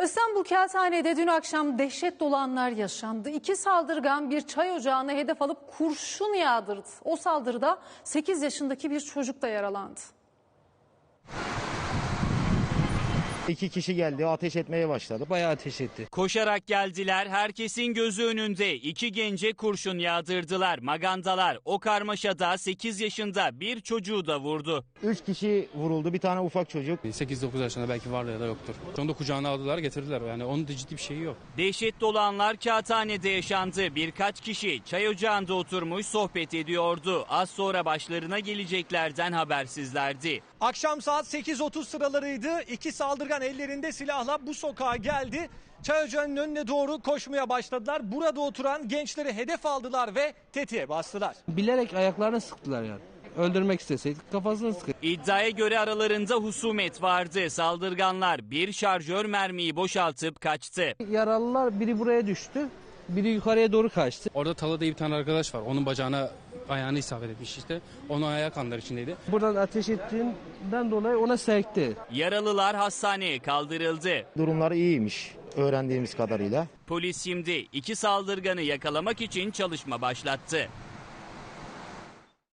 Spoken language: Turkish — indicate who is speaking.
Speaker 1: İstanbul Kağıthane'de dün akşam dehşet dolu anlar yaşandı. İki saldırgan bir çay ocağına hedef alıp kurşun yağdırdı. O saldırıda 8 yaşındaki bir çocuk da yaralandı.
Speaker 2: İki kişi geldi, ateş etmeye başladı.
Speaker 3: Bayağı ateş etti.
Speaker 4: Koşarak geldiler, herkesin gözü önünde. İki gence kurşun yağdırdılar. Magandalar o karmaşada 8 yaşında bir çocuğu da vurdu.
Speaker 2: 3 kişi vuruldu, bir tane ufak çocuk.
Speaker 3: 8-9 yaşında belki vardır ya da yoktur. Onu da kucağına aldılar, getirdiler. Yani onun da ciddi bir şeyi yok.
Speaker 4: Dehşet dolu anlar Kağıthane'de yaşandı. Birkaç kişi çay ocağında oturmuş sohbet ediyordu. Az sonra başlarına geleceklerden habersizlerdi.
Speaker 5: Akşam saat 8.30 sıralarıydı. İki saldırgan ellerinde silahla bu sokağa geldi. Çay ocağının önüne doğru koşmaya başladılar. Burada oturan gençleri hedef aldılar ve tetiğe bastılar.
Speaker 3: Bilerek ayaklarını sıktılar yani. Öldürmek isteseydik kafasını sıkar.
Speaker 4: İddiaya göre aralarında husumet vardı. Saldırganlar bir şarjör mermiyi boşaltıp kaçtı.
Speaker 3: Yaralılar biri buraya düştü, biri yukarıya doğru kaçtı. Orada Talha diye bir tane arkadaş var. Onun bacağına ayağını isabet etmiş işte. Onun ayağı kanlar içindeydi. Buradan ateş ettiğinden dolayı ona sekti.
Speaker 4: Yaralılar hastaneye kaldırıldı.
Speaker 2: Durumları iyiymiş öğrendiğimiz kadarıyla.
Speaker 4: Polis şimdi iki saldırganı yakalamak için çalışma başlattı.